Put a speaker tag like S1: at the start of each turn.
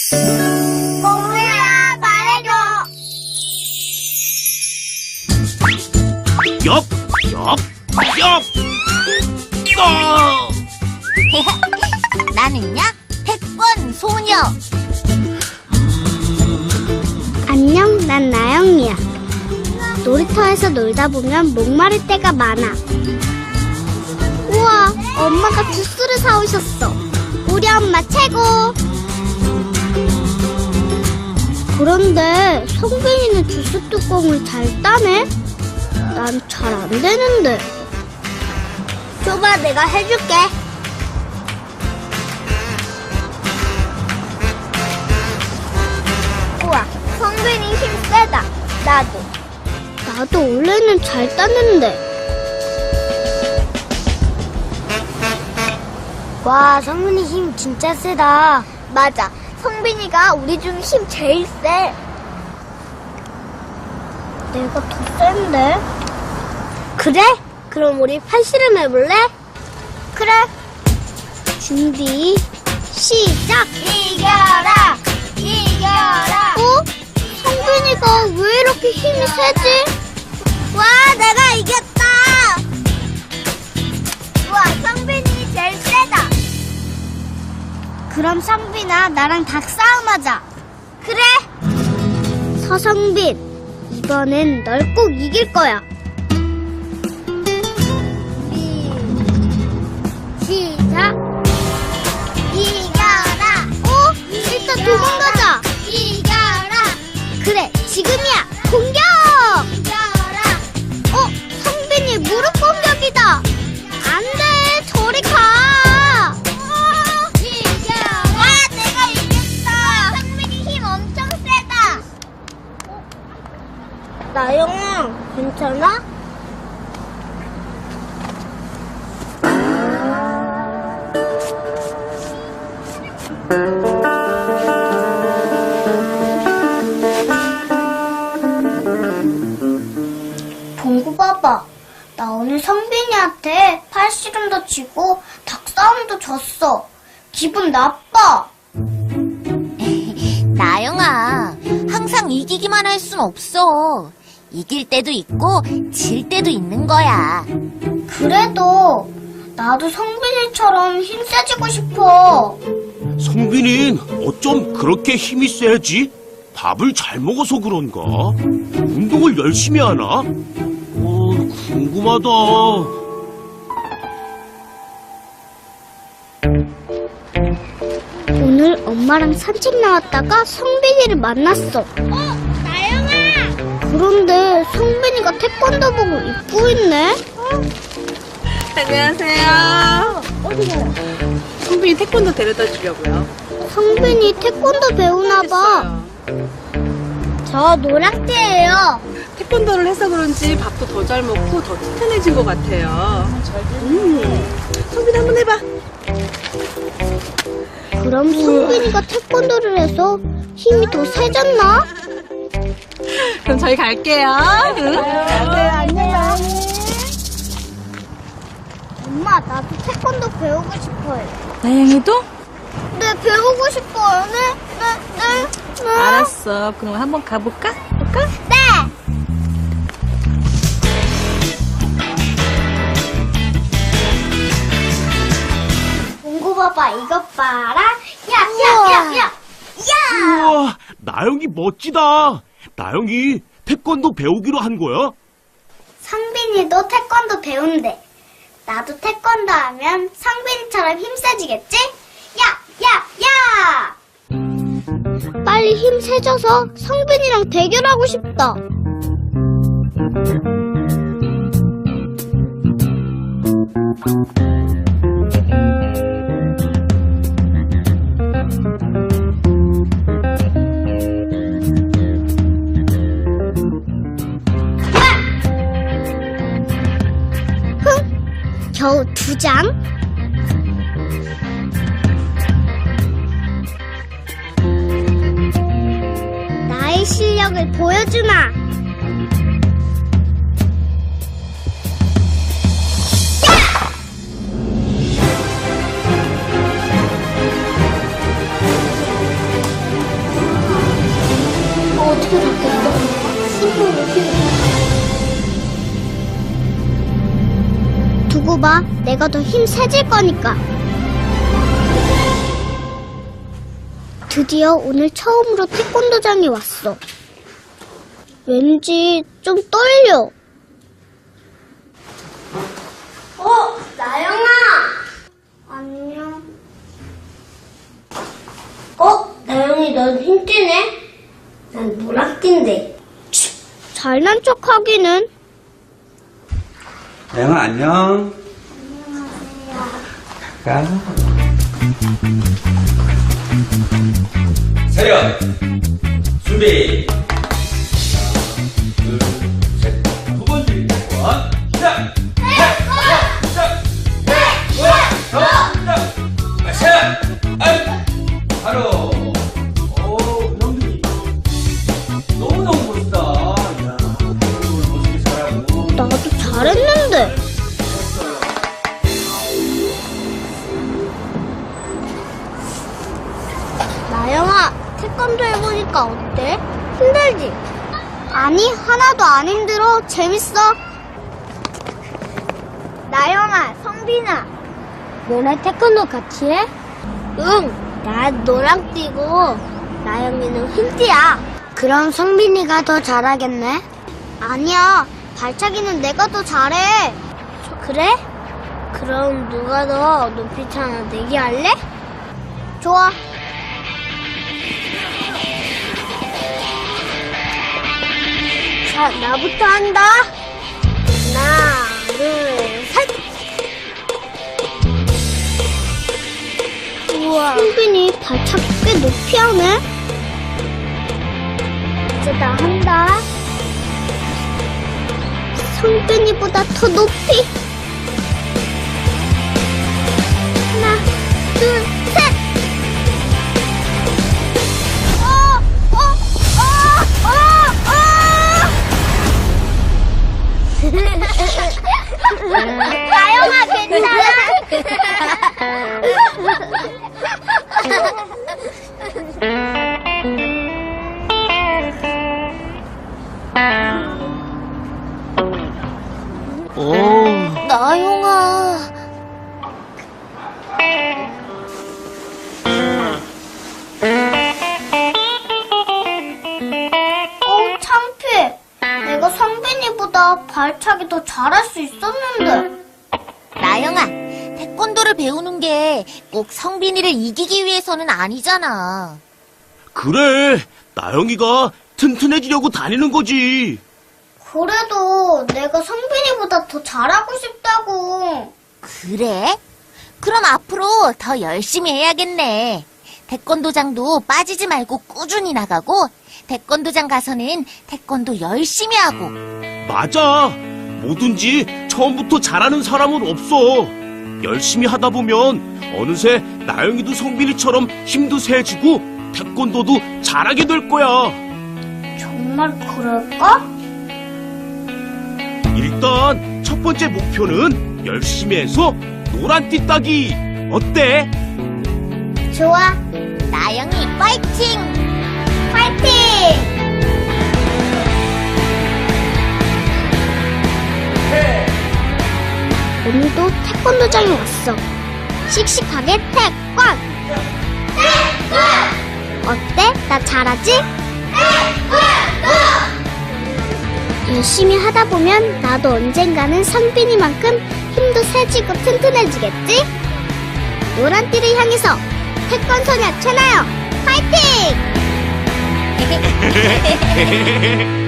S1: 공부야 말해줘.
S2: 엽, 엽, 엽.
S1: 나는요 태권 소녀.
S3: 안녕, 난 나영이야. 놀이터에서 놀다 보면 목마를 때가 많아. 우와, 엄마가 주스를 사오셨어. 우리 엄마 최고. 그런데 성빈이는 주스 뚜껑을 잘 따네? 난 잘 안 되는데. 줘봐, 내가 해줄게.
S1: 우와, 성빈이 힘 세다.
S3: 나도 원래는 잘 따는데.
S1: 와, 성빈이 힘 진짜 세다. 맞아, 성빈이가 우리 중 힘 제일 세.
S3: 내가 더 센데?
S1: 그래? 그럼 우리 팔씨름 해볼래?
S3: 그래. 준비, 시작!
S1: 이겨라! 이겨라!
S3: 어? 성빈이가 왜 이렇게 힘이 세지?
S1: 와, 내가 이겼다! 우와, 성빈이 제일 세다.
S3: 그럼 성빈아, 나랑 닭싸움하자.
S1: 그래?
S3: 서성빈, 이번엔 널 꼭 이길 거야. 시작!
S1: 이겨라!
S3: 일단 도망가자.
S1: 이겨라!
S3: 그래, 지금이야. 공격!
S1: 이겨라!
S3: 성빈이 무릎 공격이다. 안 돼, 저리 가.
S1: 이겨라! 와, 내가 이겼어! 성빈이 힘 엄청 세다.
S3: 나영아, 괜찮아? 봉구 봐봐. 나 오늘 성빈이한테 팔씨름도 지고 닭싸움도 졌어. 기분 나빠.
S4: 나영아, 항상 이기기만 할 순 없어. 이길 때도 있고 질 때도 있는 거야.
S3: 그래도 나도 성빈이처럼 힘세지고 싶어.
S2: 성빈이는 어쩜 그렇게 힘이 세지? 밥을 잘 먹어서 그런가? 운동을 열심히 하나? 궁금하다.
S3: 오늘 엄마랑 산책 나왔다가 성빈이를 만났어.
S1: 나영아!
S3: 그런데 성빈이가 태권도복을 입고 있네?
S5: 안녕하세요. 성빈이 태권도 데려다 주려고요.
S3: 성빈이 태권도 배우나 봐. 저 노랑띠예요.
S5: 태권도를 해서 그런지 밥도 더 잘 먹고 더 튼튼해진 것 같아요. 성빈이 한번 해봐.
S3: 그럼 성빈이가 태권도를 해서 힘이 더 세졌나?
S5: 그럼 저희 갈게요. 응?
S3: 안녕. 엄마, 나도 태권도 배우고 싶어요.
S5: 나영이도?
S3: 네, 배우고 싶어요. 네.
S5: 알았어. 그럼 한번 가볼까?
S3: 네. 봉구 봐봐, 이것 봐라. 야.
S2: 우와, 나영이 멋지다. 나영이 태권도 배우기로 한 거야?
S3: 성빈이도 태권도 배운대. 나도 태권도 하면 성빈이처럼 힘세지겠지? 야! 빨리 힘 세져서 성빈이랑 대결하고 싶다. 겨우 2장? 나의 실력을 보여주마. 줘봐. 내가 더 힘 세질 거니까. 드디어 오늘 처음으로 태권도장에 왔어. 왠지 좀 떨려. 나영아! 안녕. 나영이 넌 흰띠네? 난 노랗띠인데. 잘난 척 하기는.
S6: 나영아 안녕. 안녕하세요. 차렷. 준비. 하나, 둘, 셋. 두 번째 원. 시작. 바로. 오, 형님. 너무너무 멋있다. 이야, 멋지게 잘하고.
S3: 나도 잘했는데. 나영아, 태권도 해보니까 어때? 힘들지? 아니, 하나도 안 힘들어. 재밌어.
S1: 나영아, 성빈아.
S3: 너네 태권도 같이 해? 응, 난 노랑띠고 나영이는 흰띠야. 그럼 성빈이가 더 잘하겠네? 아니야, 발차기는 내가 더 잘해. 그래? 그럼 누가 더 높이 차나 내기 할래? 좋아. 자, 나부터 한다. 하나, 둘, 셋. 우와. 성빈이 발차기 꽤 높이 하네. 이제 나 한다. 성빈이보다 더 높이. 하나, 둘, 셋.
S1: 나영아, 괜찮아?
S4: 나영아.
S3: 창피해. 내가 성빈이보다 발차기 더 잘할 수 있었는데.
S4: 나영아, 태권도를 배우는 게 꼭 성빈이를 이기기 위해서는 아니잖아.
S2: 그래, 나영이가 튼튼해지려고 다니는 거지.
S3: 그래도 내가 성빈이보다 더 잘하고 싶다고.
S4: 그래? 그럼 앞으로 더 열심히 해야겠네. 태권도장도 빠지지 말고 꾸준히 나가고, 태권도장 가서는 태권도 열심히 하고.
S2: 맞아. 뭐든지 처음부터 잘하는 사람은 없어. 열심히 하다 보면 어느새 나영이도 성빈이처럼 힘도 세지고 태권도도 잘하게 될 거야.
S3: 정말 그럴까?
S2: 일단 첫 번째 목표는 열심히 해서 노란띠 따기. 어때?
S3: 좋아.
S4: 나영이 파이팅!
S3: 파이팅! 오늘도 태권도장에 왔어. 씩씩하게 태권! 어때? 나 잘하지? 열심히 하다 보면 나도 언젠가는 성빈이만큼 힘도 세지고 튼튼해지겠지? 노란띠를 향해서 태권소녀 최나영 파이팅!